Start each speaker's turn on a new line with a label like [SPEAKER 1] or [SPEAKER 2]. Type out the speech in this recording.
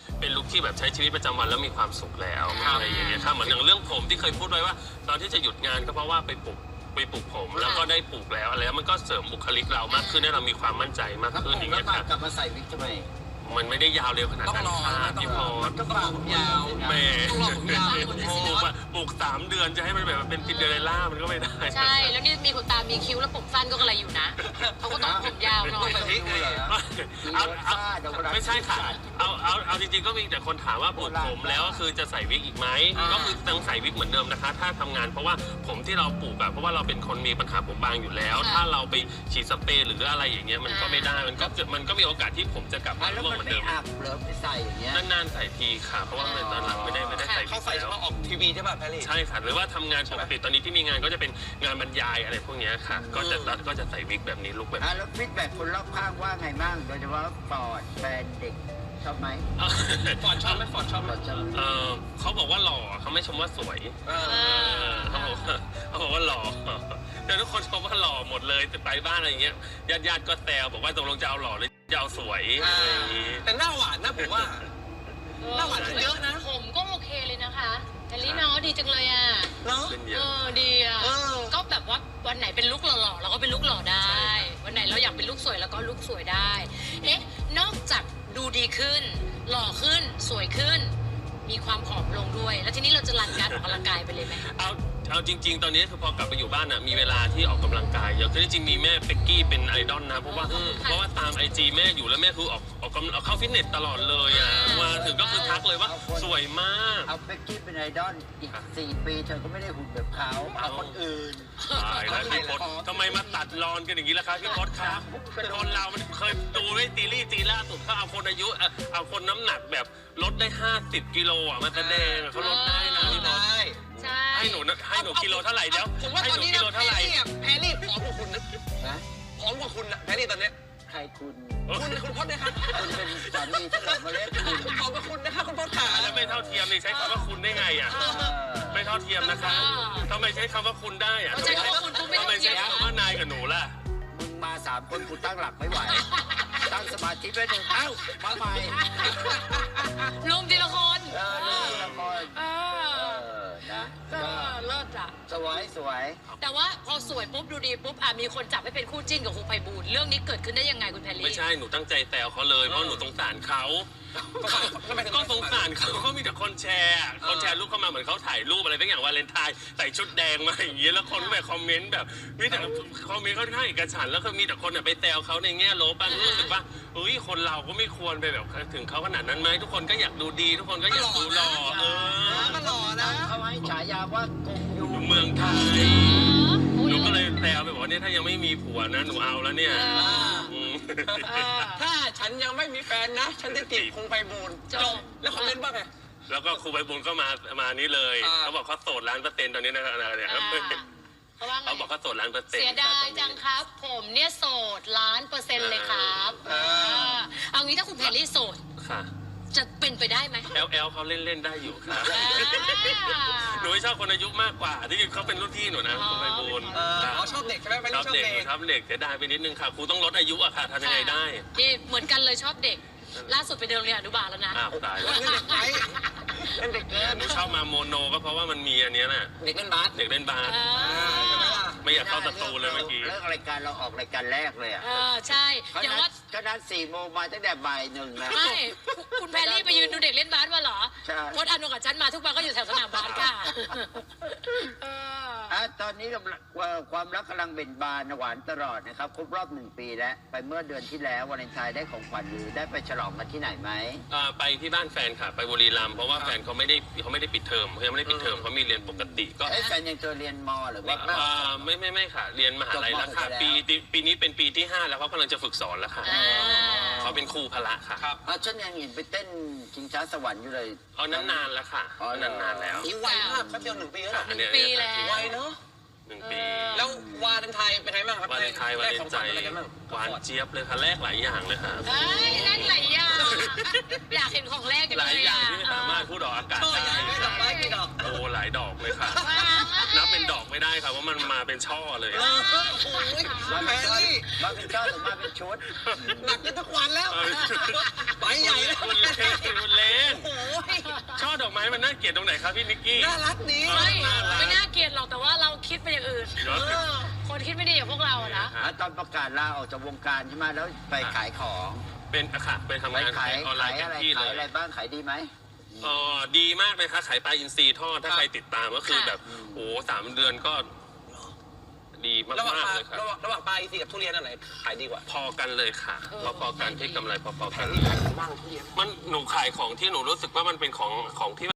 [SPEAKER 1] เป็นลุคที่แบบใช้ชีวิตประจำวันแล้วมีความสุขแล้วอะไรอย่างเงี้ยครับเหมือนอย่างเรื่องผมที่เคยพูดไว้ว่าตอนที่จะหยุดงานก็เพราะว่าไปปลูกผมแล้วก็ได้ปลูกแล้วอะไรแล้วมันก็เสริมบุคลิกเรามากขึ้นให้เรามีความมั่นใจมากขึ้นอย่างเงี้ยครับ
[SPEAKER 2] กลับมาใส่วิกทำไม
[SPEAKER 1] มันไม่ได้ยาวเร็วขนาดนั้นค่ะพี่พร
[SPEAKER 2] ก็ปากยาว
[SPEAKER 1] แม่
[SPEAKER 3] ต้องรอผมยาว
[SPEAKER 1] ปลูก3 เดือนจะให้มันแบบเป็นซินเดอเรลล่ามันก็ไม่ได้
[SPEAKER 4] ใช่แล้วนี่มีขนตามีคิ้วแล้วผมสั้นก็กระไรอยู่นะเขาก็ต้องผมยาวหน่อย
[SPEAKER 1] ไม่ใช่ค่ะเอาจริงๆก็มีแต่คนถามว่าปลูกผมแล้วคือจะใส่วิกอีกไหมก็คือต้องใส่วิกเหมือนเดิมนะคะ ถ้าทำงานเพราะว่าผมที่เราปลูกอะเพราะว่าเราเป็นคนมีปัญหาผมบางอยู่แล้ว ถ้าเราไปฉีดสเปรย์หรืออะไรอย่างเงี้ยมันก็ไม่ได้มันก็มีโอกาสที่ผมจะกลับมา
[SPEAKER 2] แล้ว
[SPEAKER 1] ร่วง
[SPEAKER 2] มัน
[SPEAKER 1] เหมือน
[SPEAKER 2] ไม่
[SPEAKER 1] เดิม
[SPEAKER 2] อับเหรอไปใส่อย่างเงี้ย
[SPEAKER 1] นานๆใส่ทีค่ะเพราะว่าตอนหลังไม่ได้ใส่
[SPEAKER 3] เขาใส่เฉพาะออกทีวีใช่ป่ะแพรรี่
[SPEAKER 1] ใช่ค่ะหรือว่าทำงานปกติตอนนี้ที่มีงานก็จะเป็นงานบรรยายอะไรพวกเนี้ยค่ะก็จะใส่วิกแบบนี้ลุคแบบนี้
[SPEAKER 2] แล้วฟีดแบ็กคนรอบข้างว่าไงบ้างโดยเฉพาะฟอร์ดแฟนเด็กชอบไหม
[SPEAKER 3] ฟอร์ดชอบไหมฟอร์ดชอบไหม
[SPEAKER 1] เขาบอกว่าหล่อเขาไม่ชมว่าสวยเขาบอกว่าหล่อแต่ทุกคนชมว่าหล่อหมดเลยแต่ไปบ้านอะไรอย่างเงี้ยญาติก็แซวบอกว่าตกลงจะเอาหล่อหรือจะเอาสวยอะไรอย่างงี้
[SPEAKER 3] แต่หน้าหวานนะผมว่า หน้าหวานขึ้นเยอะนะ
[SPEAKER 4] ผมก็โอเคเลยนะคะแฮร์รี่น้องดีจังเลยอ่ะ
[SPEAKER 3] เนาะ
[SPEAKER 1] เป็นเยอะ
[SPEAKER 4] ดีอ่ะก็แบบว่าวันไหนเป็นลุคหล่อๆเราก็เป็นลุคหล่อได้ วันไหนเราอยากเป็นลุคสวยเราก็ลุคสวยได้เอ๊ะนอกจากดูดีขึ้น หล่อขึ้นสวยขึ้น มีความผอมลงด้วย แล้วทีนี้เราจะรันการออกกำลังกายไปเลยไหม
[SPEAKER 1] เอาจริง ๆ ตอนนี้คือพอกลับไปอยู่บ้านอ่ะมีเวลาที่ออกกำลังกายเยอะคือจริงๆมีแม่เป็กกี้เป็นไอดอลนะเพราะว่าตามIGแม่อยู่แล้วแม่คือออกเข้าฟิตเนสตลอดเลยอ่ะมาถึงก็คือทักเลยว่าสวยมาก
[SPEAKER 2] เอาเบกกี้เป็นไอดอลอีก4 ปีเธอก็ไม่ได้หุ่นแบบเขาเอาคนอื่น
[SPEAKER 1] ตายแล้วพี่พศทำไมมาตัดรอนกันอย่างนี้ล่ะครับพี่พศครับคนเรามันเคยดูไว้ตีล่าสุดเขาเอาคนอายุเอาคนน้ำหนักแบบลดได้50 กิโลอ่ะมาแสดงเขาลดได้นะพี่พศ
[SPEAKER 3] ได้
[SPEAKER 4] ใช่
[SPEAKER 1] ให้หนูกิโลเท่าไหร่เดี๋ยว
[SPEAKER 3] ผมว่า
[SPEAKER 1] ให้
[SPEAKER 3] ต
[SPEAKER 1] ห
[SPEAKER 3] อน
[SPEAKER 1] นู
[SPEAKER 3] นี้
[SPEAKER 1] กิ
[SPEAKER 3] นะ
[SPEAKER 1] โลเท่าไหร่
[SPEAKER 3] แพรรี่ผอมกว่าคุณนะ
[SPEAKER 2] นะ
[SPEAKER 3] ผอมกว่าคุณนะแพรรี่ตอนเนี้ย
[SPEAKER 2] ใครคุณ
[SPEAKER 3] คุณพจน์นะครับ
[SPEAKER 2] คุณเป็นสามีที่เรามาเล่นคุณ
[SPEAKER 3] ผอมกว่าคุณนะครับคุณพจน์ขา
[SPEAKER 1] แล้วไม่เท่าเทียมนี่ใช้คำว่าคุณได้ไงอ่ะไม่เท่าเทียมนะคะทำไมใช้คำว่าคุณได้อ่ะ
[SPEAKER 4] เขาใช้คำว่าคุณปุ๊บไม่
[SPEAKER 1] ทำ
[SPEAKER 4] ต้
[SPEAKER 1] ไม
[SPEAKER 4] องเที
[SPEAKER 1] ใช้
[SPEAKER 4] ยม
[SPEAKER 1] คำว่านายกับหนูล่ะ
[SPEAKER 2] มึงมา3 คนกูตั้งหลักไม่ไหว ตั้งสมาธิไว้หนึ่งเอ้ามาใหม่
[SPEAKER 4] ลุมทีละคน
[SPEAKER 2] นี่ละคร
[SPEAKER 4] เออ
[SPEAKER 2] นะ
[SPEAKER 4] เลิศอ่ะ
[SPEAKER 2] สวย
[SPEAKER 4] แต่ว่าพอสวยปุ๊บดูดีปุ๊บมีคนจับให้เป็นคู่จิ้นกับครูไพบูลย์เรื่องนี้เกิดขึ้นได้ยังไงคุณแพรรี่
[SPEAKER 1] ไม่ใช่หนูตั้งใจแซวเขาเลยเพราะหนูสงสารเขาก็สงสารเขาก็มีแต่คนแชร์รูปเข้ามาเหมือนเขาถ่ายรูปอะไรทั้งอย่างวาเลนไทน์ใส่ชุดแดงมาอย่างเงี้ยแล้วคนก็ไปคอมเมนต์แบบมีแต่คอมเมนต์ค่อนข้างเอกฉันท์แล้วก็มีแต่คนไปแซวเขาในแง่ลบรู้สึกว่าอุ้ยคนเราก็ไม่ควรไปแบบถึงเขาขนาดนั้นไหมทุกคนก็อยากดูดีทุกคนก็อยากดูหล่อ
[SPEAKER 3] ก็หล่อ
[SPEAKER 2] ๆ
[SPEAKER 3] นะ
[SPEAKER 2] เขาให้ฉายาว่ากงยู
[SPEAKER 1] อยู่เมืองไทยหนูก็เลยแซวไปบอกว่าเนี่ยถ้ายังไม่มีผัวนะหนูเอาแล้วเนี่ย
[SPEAKER 3] ถ้าฉันยังไม่มีแฟนนะ ฉันจะจีบคงไปบูนจบแล้วคอมเมนต์ว่าไง
[SPEAKER 1] แล้วก็ครูใบบุญก็มานี่เลย เขาบอกเขาโสด100%ตอนนี้นะเนี่ย
[SPEAKER 4] เขาว่าไง
[SPEAKER 1] เขาบอกเขาโสด100%
[SPEAKER 4] เสียดายจังครับ ผมเนี่ยโสด1,000,000%เลยครับเอางี้ถ้าคุณแพรรี่โสด
[SPEAKER 1] ค่ะ
[SPEAKER 4] จะเป็นไปได้ไหม
[SPEAKER 1] แอลเขาเล่นได้อยู่ครับหนูไม่ชอบคนอายุมากกว่าที่เขาเป็นรุ่นพี่หนูนะครูใบบุญ
[SPEAKER 3] ชอบเด็กใช่ไหมไม่
[SPEAKER 1] ช
[SPEAKER 3] ได้
[SPEAKER 1] อบ
[SPEAKER 3] ชอบ
[SPEAKER 1] เด็ก
[SPEAKER 3] เด็ก
[SPEAKER 1] ชอบเด็กเสียดายไปนิดนึงค่ะครูต้องลดอายุอะค่ะทำยังไงได้
[SPEAKER 4] นี่เหมือนกันเลยชอบเด็ก ล่าสุดไปเดินโรงเรียนอนุบาลแล้วนะ
[SPEAKER 1] อ้าวตายแล้ว
[SPEAKER 3] เล่นเด็กไหมเล่นเด็กเกิน
[SPEAKER 1] หนูชอบมาโมโนก็เพราะว่ามันมีอันเนี้ยน่ะ
[SPEAKER 3] เด็กเล่นบาส
[SPEAKER 1] เด็กเล่นบาสไม่อยากเข้าประตูเลยเมื่อกี้
[SPEAKER 2] เลิกรายการเราออกรายการแรกเลยอ่ะ
[SPEAKER 4] ใช่อย่างว่า
[SPEAKER 2] ก็นัด4 โมงมาตั้งแต่บ่าย 1นะ
[SPEAKER 4] ไม่คุณแพรรี่ไปยืนดูเด็กเล่นบาสมาเหรอ
[SPEAKER 2] ใช่
[SPEAKER 4] พจน์อานนท์กับฉันมาทุกวันก็อยู่แถวสนามบาสค่ะ
[SPEAKER 2] ตอนนี้ความรักกำลังเบ่งบานหวานตลอดนะครับครบรอบ1 ปีแล้วไปเมื่อเดือนที่แล้ววาเลนไทน์ได้ของขวัญหรือได้ไปฉลองกันที่ไหนไหม
[SPEAKER 1] ไปที่บ้านแฟนค่ะไปบุรีรัมย์เพราะว่าแฟนเขาไม่ได้ปิดเทอมเขายังไม่ได้ปิดเทอมเขามีเรียนปกติก็
[SPEAKER 2] แฟนยังเจอเรียนมหรือว่า
[SPEAKER 1] ไม่ค่ะเรียนมหาลัยแล้วค่ะปีนี้เป็นปีที่ 5 แล้วเขากำลังจะฝึกสอนแล้วค่ะเขาเป็นครูพละค่ะ
[SPEAKER 2] ฉันยังเห็นไปเต้นชิงช้าสวรรค์อยู่เลย
[SPEAKER 1] เอานานแล้วค่ะนานแล้ว
[SPEAKER 3] นี่ไวมากแป๊บเดียว1 ปีแล้ว
[SPEAKER 4] 1 ปีแล้ว
[SPEAKER 3] ไวเนาะ
[SPEAKER 1] 1 ปี
[SPEAKER 3] แล้ววาเลนไทน์เป็นไงบ้างครับ
[SPEAKER 1] วาเลนไทน์วาเลนใจหวานเจี๊ยบเลยค่ะแลกหลายอย่างเลยค่ะ
[SPEAKER 4] แรกหลายอย่างอยากเห็นของแรกกัน
[SPEAKER 1] ห
[SPEAKER 4] เล
[SPEAKER 1] ลาย
[SPEAKER 4] ย
[SPEAKER 1] อย่างที่ไม่สามารถพูดออกอากาศ
[SPEAKER 3] ช่อ
[SPEAKER 1] ได้
[SPEAKER 3] ใหญ่ไหมดอกไม้กี่ดอก
[SPEAKER 1] โอ้หลายดอกเลยค่ะ นับเป็นดอกไม่ได้ค่ะว่ามันมาเป็นช่อเลย
[SPEAKER 3] โอ้โหแพรรี่
[SPEAKER 2] มาเป็นช่อหรือมาเป็นชุด
[SPEAKER 3] หนักขึ้นทุกวันแล้วไปใหญ่แล้ว
[SPEAKER 1] คุณเล็กมันน่าเกลียดตรงไหนครับพี่นิกกี้
[SPEAKER 3] น่ารักนี้
[SPEAKER 4] ไม่น่าเกลียดหรอกแต่ว่าเราคิดไปอย่างอื่น คนคิดไม่ดีอย่างพวกเราอะนะ
[SPEAKER 2] ตอนประกาศลาออกจากวงการใช่ไหมแล้วไปขายของ
[SPEAKER 1] เป็นค่ะเป็นทำ
[SPEAKER 2] ไป
[SPEAKER 1] งาน
[SPEAKER 2] ขาย
[SPEAKER 1] ออนไล
[SPEAKER 2] ขาย
[SPEAKER 1] น์เต็
[SPEAKER 2] อะ
[SPEAKER 1] ม
[SPEAKER 2] ไร
[SPEAKER 1] ที่เล
[SPEAKER 2] ขาย
[SPEAKER 1] ย
[SPEAKER 2] อะไรบ้างขายดีไหม
[SPEAKER 1] ดีมากเลยค่ะขายปลาอินทรีทอดถ้าใครติดตามก็คือแบบโอ้3 เดือนก็ดีมาก
[SPEAKER 3] ระหว่าง
[SPEAKER 1] ๆเลยค่ะ
[SPEAKER 3] ระหว่างปลาอีซีกับทุเรียนอันไหนขายดีกว่า
[SPEAKER 1] พอกันเลยค่ะพอๆกันที่กำไรพอๆกัน
[SPEAKER 3] นี่ขายดีมากทุเรียน
[SPEAKER 1] มันหนูขายของที่หนูรู้สึกว่ามันเป็นของที่